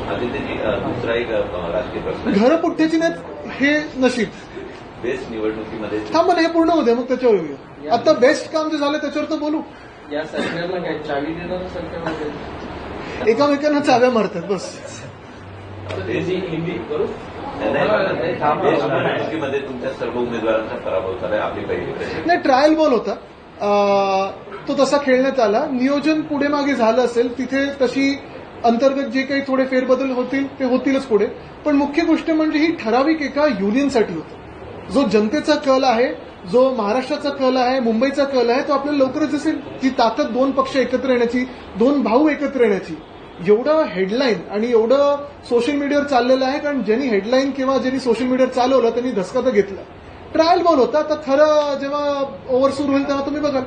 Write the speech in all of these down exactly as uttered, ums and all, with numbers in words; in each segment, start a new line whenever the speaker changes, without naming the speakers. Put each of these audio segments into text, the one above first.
आदित्यजी दुसरा एक राजकीय प्रश्न,
घर पुठ्ठ्याची नाहीत हे नशीब.
बेस्ट निवडणुकीमध्ये
थांब ना, हे पूर्ण होऊ दे मग त्याच्यावर येऊया. आता बेस्ट काम जे झालं त्याच्यावर तर बोलू.
या सरकारला काय चावी देणारं सरकार वगैरे
एकामेकांना चाव्या मारतात बस.
हिंदी करू निवडणुकीमध्ये तुमच्या सर्व उमेदवारांचा पराभव झालाय. आपली पहिली प्रश्न
नाही, ट्रायल बॉल होता तो तसा खेळण्यात आला. नियोजन पुढे मागे झालं असेल तिथे तशी अंतर्गत जे काही थोडे फेरबदल होतील ते होतीलच पुढे. पण मुख्य गोष्ट म्हणजे ही ठराविक एका युनियनसाठी होतं. जो जनतेचा कल आहे, जो महाराष्ट्राचा कल आहे, मुंबईचा कल आहे, तो आपल्याला लवकरच दिसेल. जी ताकद दोन पक्ष एकत्र येण्याची, दोन भाऊ एकत्र येण्याची, एवढं हेडलाईन आणि एवढं सोशल मीडियावर चाललेलं आहे. कारण ज्यांनी हेडलाईन किंवा ज्यांनी सोशल मीडियावर चालवलं त्यांनी धसका तर घेतला. ट्रायल बॉल होता. आता खरं जेव्हा ओव्हर सुरू होईल तेव्हा तुम्ही बघाल.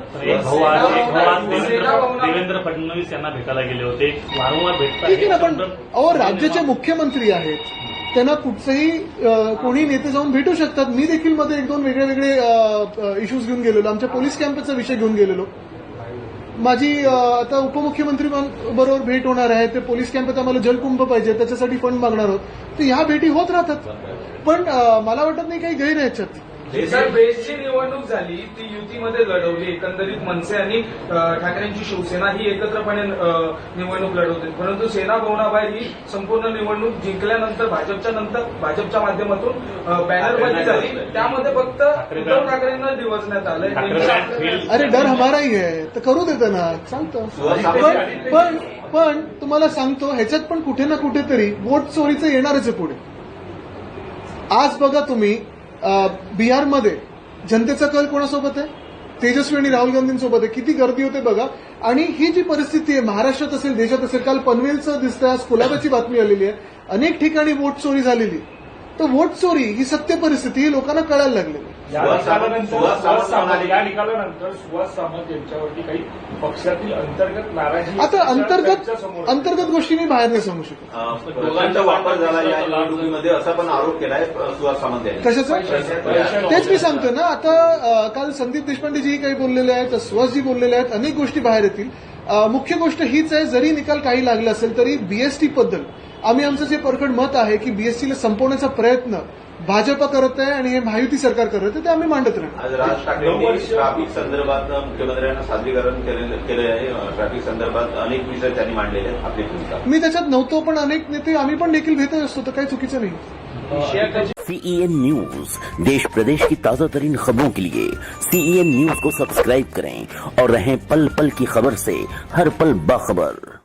देवेंद्र फडणवीस यांना भेटायला गेले होते, वारंवार भेटतात.
ठीक आहे ना, पण अहो राज्याचे मुख्यमंत्री आहेत, त्यांना कुठचंही कोणी नेते जाऊन भेटू शकतात. मी देखील मध्ये एक दोन वेगळे वेगळे इश्यूज घेऊन गेलेलो. आमच्या पोलीस कॅम्पचा विषय घेऊन गेलेलो. माझी आता उपमुख्यमंत्री बरोबर भेट होणार आहे. ते पोलीस कॅम्पात आम्हाला जलकुंभ पाहिजे, त्याच्यासाठी फंड मागणार आहोत. तर ह्या भेटी होत राहतात. पण मला वाटत नाही काही गैर आहे याच्यात.
सर, बेस्टची निवडणूक झाली ती युतीमध्ये लढवली. एकंदरीत मनसे आणि ठाकरेंची शिवसेना ही एकत्रपणे निवडणूक लढवते. परंतु सेना भवनाबाहेर ही संपूर्ण निवडणूक जिंकल्यानंतर भाजपच्या नंतर भाजपच्या माध्यमातून बॅनरबाजी झाली. त्यामध्ये फक्त उद्धव ठाकरेंना दिवसण्यात आलंय.
अरे डर हमाराही आहे तर करू देतं ना, सांगतो. पण पण पण तुम्हाला सांगतो ह्याच्यात पण कुठे ना कुठेतरी वोट चोरीचं येणारच आहे पुढे. आज बघा तुम्ही बिहारमध्ये जनतेचा कल कोणासोबत आहे? तेजस्वी आणि राहुल गांधींसोबत आहे. किती गर्दी होते बघा. आणि ही जी परिस्थिती आहे महाराष्ट्रात असेल, देशात असेल, काल पनवेलचं दिसतंय, आज कुलाब्याची बातमी आलेली आहे, अनेक ठिकाणी वोट चोरी झालेली. तर वोट चोरी ही सत्य परिस्थिती ही लोकांना कळायला लागलेली.
या निकालानंतर सुहास सामंत यांच्यावरती काही पक्षातील अंतर्गत नाराजी,
आता अंतर्गत अंतर्गत गोष्टी मी बाहेर नाही सांगू शकत.
दोघांचा वापर झाला या निवडणुकीमध्ये असा पण आरोप केलाय सुहास सामंत यांनी.
कशाचा? तेच मी सांगतो ना. आता काल संदीप देशपांडेजी काही बोललेले आहेत, सुहासजी बोललेले आहेत, अनेक गोष्टी बाहेर येतील. मुख्य गोष्ट हीच आहे, जरी निकाल काही लागला असेल तरी बीएसटी बद्दल आम्ही आमचं जे परखड मत आहे की बीएसटीला संपवण्याचा प्रयत्न भाजप करत आहे आणि हे महायुती सरकार करत आहे ते आम्ही मांडत राहतो.
आज राज ठाकरेंनी ट्रॅफिक संदर्भात मुख्यमंत्र्यांना सादरीकरण केले आहे. ट्रॅफिक संदर्भात अनेक विषय त्यांनी मांडलेले आहेत. आपली भूमिका
मी त्याच्यात नव्हतो, पण अनेक नेते आम्ही पण देखील भेटत असतो, तर काही चुकीचं नाही.
सीईएन न्यूज, देश प्रदेश की ताजा तरीन खबरों के लिए सीईएन न्यूज को सब्सक्राइब करें और रहें पल पल की खबर से हर पल बाखबर.